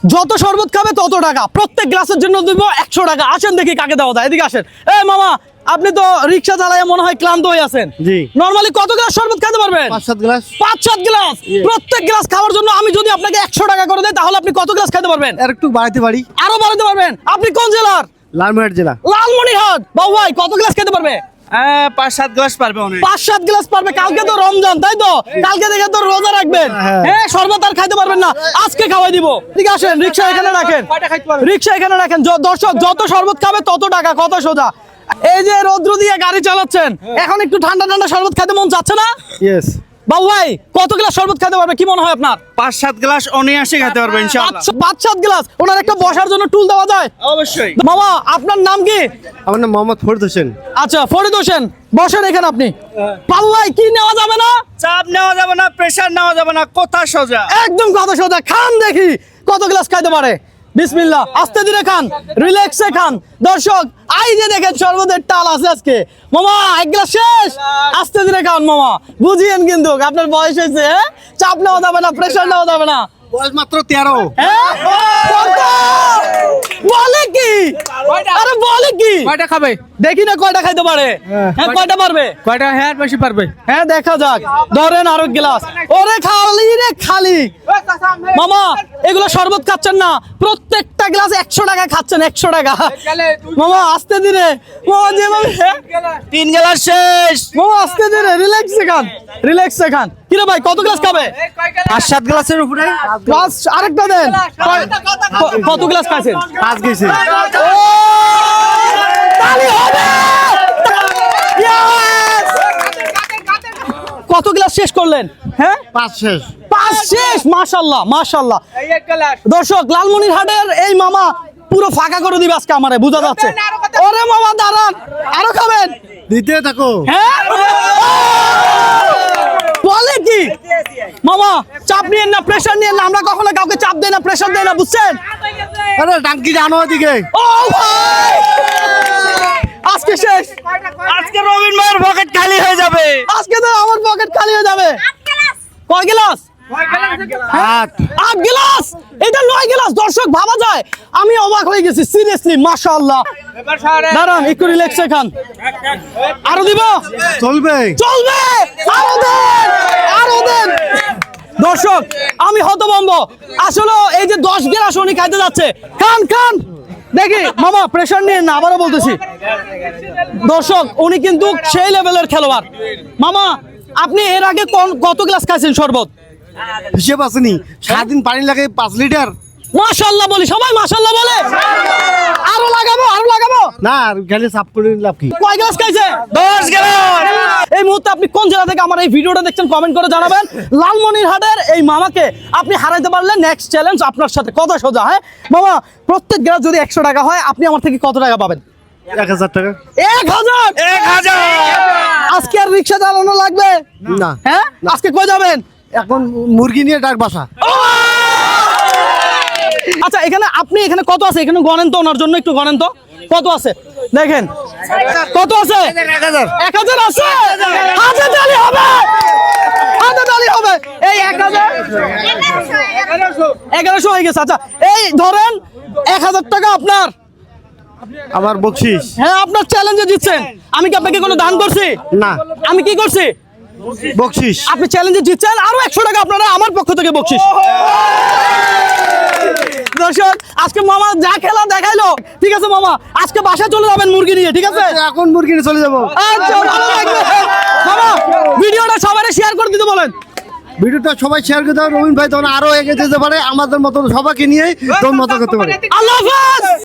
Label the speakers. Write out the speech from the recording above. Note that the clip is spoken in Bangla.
Speaker 1: যত শরবত খাবে তত টাকা, প্রত্যেক গ্লাসের জন্য দিব 100 টাকা। আসেন দেখি কাকে দেওয়া যায়, এদিকে আসেন। এই মামা, আপনি তো রিক্সা চালায় মনে হয় ক্লান্ত হয়ে আছেন।
Speaker 2: জি।
Speaker 1: নরমালি কত গ্লাস শরবত খেতে পারবেন?
Speaker 2: 5-7 গ্লাস।
Speaker 1: 5-7 গ্লাস। প্রত্যেক গ্লাস খাওয়ার জন্য আমি যদি আপনাকে 100 টাকা করে দেই, তাহলে আপনি কত গ্লাস খেতে পারবেন?
Speaker 2: আর একটু বাড়াইতে পারি।
Speaker 1: আরো বাড়াতে পারবেন। আপনি কোন জেলার?
Speaker 2: লালমনিরহাট জেলা।
Speaker 1: লালমনিরহাট। বাবু ভাই কত গ্লাস খেতে পারবে?
Speaker 3: 5-7 গ্লাস পারবে।
Speaker 1: 5-7 গ্লাস পারবে। কালকে তো রমজান, তাই তো? কালকে থেকে তো রোজা রাখবেন। হ্যাঁ, শরবত আর খাইতে পারবেন না, আজকে খাওয়াই দিব। ঠিক আছে, রিক্সা এখানে রাখেন, রিক্সা এখানে রাখেন। দর্শক, যত শরবত খাবে তত টাকা, কত সোজা। এই যে রৌদ্র দিয়ে গাড়ি চালাচ্ছেন, এখন একটু ঠান্ডা ঠান্ডা শরবত খেতে মন চাচ্ছে না?
Speaker 2: ইয়েস।
Speaker 1: বাবু ভাই কত গ্লাস শরবত খেতে পারবে, কি মনে হয় আপনার?
Speaker 3: 5-7 গ্লাস অনায়াসে খেতে পারবে ইনশাআল্লাহ।
Speaker 1: 5-7 গ্লাস। ওনার একটা বসার জন্য টুল দেওয়া যায়?
Speaker 3: অবশ্যই।
Speaker 1: মামা, আপনার নাম কি?
Speaker 2: আমার নাম মোহাম্মদ ফরিদ হোসেন।
Speaker 1: আচ্ছা, ফরিদ হোসেন, বসেন এখানে আপনি। বাবু ভাই কি নেওয়া যাবে না?
Speaker 3: চাপ নেওয়া যাবে না, প্রেসার নেওয়া যাবে না, কথা সোজা।
Speaker 1: একদম কথা সোজা। খান দেখি কত গ্লাস খাইতে পারে। বিসমিল্লাহ, আস্তে ধীরে খান, রিল্যাক্সে খান। দর্শক, আই যে দেখেন শরবতের টাল আছে আজকে। মামা, এক গ্লাস শেষ। আস্তে ধীরে খান মামা, বুঝিয়েন কিন্তু আপনার বয়স হয়েছে। চাপ নেওয়া যাবে না, প্রেসার নেওয়া যাবে না।
Speaker 2: বয়স মাত্র 13।
Speaker 1: হ্যাঁ? কত? বলে কি? আরে বলে কি?
Speaker 4: কয়টা খাবে?
Speaker 1: দেখি না কয়টা খাইতে পারে। হ্যাঁ, কয়টা পারবে?
Speaker 4: কয়টা? হ্যাঁ, বেশি পারবে।
Speaker 1: হ্যাঁ, দেখা যাক। ধরেন আরো গ্লাস। ওরে খালি রে খালি। মামা, এগুলো শরবত খাচ্ছেন না, প্রত্যেকটা গ্লাস 100 টাকা খাচ্ছেন, 100 টাকা। মামা আস্তে ধীরে, মামা যেভাবে
Speaker 3: 3 গ্লাস শেষ।
Speaker 1: মামা আস্তে ধীরে, রিল্যাক্সে খান, রিল্যাক্সে খান। কিরে ভাই, কত গ্লাস খাবে?
Speaker 3: 5-7 গ্লাসের উপরে।
Speaker 1: গ্লাস আরেকটা দেন। কত গ্লাস খাইছেন?
Speaker 2: 5 গেছে।
Speaker 1: ও, তালি হবে। Yes! কত গ্লাস শেষ করলেন? হ্যাঁ,
Speaker 2: 5 শেষ।
Speaker 1: 5 শেষ। মাশাআল্লাহ, মাশাআল্লাহ। দর্শক, লালমনিরহাটের এই মামা পুরো ফাঁকা করে দিবে আজকে আমারে, বোঝা যাচ্ছে। ওরে মামা দাঁড়ান, আরো খাবেন?
Speaker 2: দিতে থাকো।
Speaker 1: হ্যাঁ, বলে কি? মামা চাপ নিয়েন না, প্রেসার নিয়েন না। আমরা কখনো কাউকে চাপ দেই না, প্রেসার দেই না, বুঝছেন?
Speaker 2: আরে টাঙ্কি জানো ওদিকে।
Speaker 1: ও ভাই, আজকে শেষ।
Speaker 3: আজকে রবিন ভাইয়ের পকেট খালি হয়ে যাবে।
Speaker 1: আজকে তো আমার পকেট খালি হয়ে যাবে। কয় গ্লাস? 8 গ্লাস। এটা 9 গ্লাস। দর্শক, ভাবা যায়, আমি অবাক হয়ে গেছি সিরিয়াসলি। মাশাআল্লাহ। দাঁড়ান, একটু রিল্যাক্সে খান। আরো দিব?
Speaker 2: চলবে।
Speaker 1: চলবে। আরো দেন, আরো দেন। দর্শক, আমি হতভম্ব আসলে। এই যে 10 গ্লাস উনি খাইতে যাচ্ছে। খান খান দেখি। মামা প্রেসার নিয়ে না, আবারও বলতেছি। দর্শক, উনি কিন্তু সেই লেভেলের খেলোয়াড়। মামা, আপনি এর আগে কত গ্লাস খাইছেন শরবত?
Speaker 2: হিসেব আসেনি। সারাদিন পানি লাগে 5 লিটার।
Speaker 1: মাশাআল্লাহ বলি, সবাই মাশাআল্লাহ বলে। আরো লাগাবো, আরো লাগাবো।
Speaker 2: না, আর গেলে সাফ করে লাভ কি?
Speaker 1: কয় গ্লাস খাইছে?
Speaker 3: 10 গ্লাস।
Speaker 1: এই মুহূর্তে আপনি কোন জেলা থেকে আমার এই ভিডিওটা দেখছেন, কমেন্ট করে জানাবেন। লালমনিরহাটের এই মামাকে আপনি হারাইতে পারলে নেক্সট চ্যালেঞ্জ আপনার সাথে। কথা সোজা। হ্যাঁ মামা, প্রত্যেক গ্লাস যদি 100 টাকা হয়, আপনি আমার থেকে কত টাকা পাবেন?
Speaker 2: 1000 টাকা।
Speaker 1: 1000। আজকে আর রিক্সা চালানো লাগবে
Speaker 2: না।
Speaker 1: হ্যাঁ, আজকে কই যাবেন?
Speaker 2: এখন মুরগি নিয়ে ডাক বাসা।
Speaker 1: আচ্ছা, এখানে আপনি এখানে কত আছে? এখানে গণেন তো, ওনার জন্য একটু গণেন তো কত আছে। দেখেন কত আছে। 1000 আছে। হাতে তালি হবে, হাতে তালি হবে। এই 1000 1100 হয়ে গেছে। আচ্ছা, এই ধরেন 1000 টাকা আপনার।
Speaker 2: আবার বকশিস।
Speaker 1: হ্যাঁ, আপনার চ্যালেঞ্জে জিতছেন। আমি কি আপনাকে কোনো দান করছি?
Speaker 2: না।
Speaker 1: আমি কি করছি?
Speaker 2: বকশিস।
Speaker 1: আপনি চ্যালেঞ্জে জিতছেন, আরো 100 টাকা আপনারা আমার পক্ষ থেকে বকশিস। দর্শক, আজকে মামা যা খেলা দেখাইলো। ঠিক আছে মামা, আজকে বাসায় চলে যাবেন মুরগি নিয়ে, ঠিক আছে?
Speaker 2: এখন মুরগি নিয়ে চলে যাবো।
Speaker 1: আচ্ছা, ভালো লাগবে। মামা, ভিডিওটা সবাই শেয়ার করে দিতে বলেন।
Speaker 2: ভিডিওটা সবাই শেয়ার করে দাও। রবিন ভাই তখন আরো এগিয়ে যেতে পারে, আমাদের মতো সবাইকে নিয়ে দম মতো করতে পারে।
Speaker 1: আল্লাহ হাফেজ।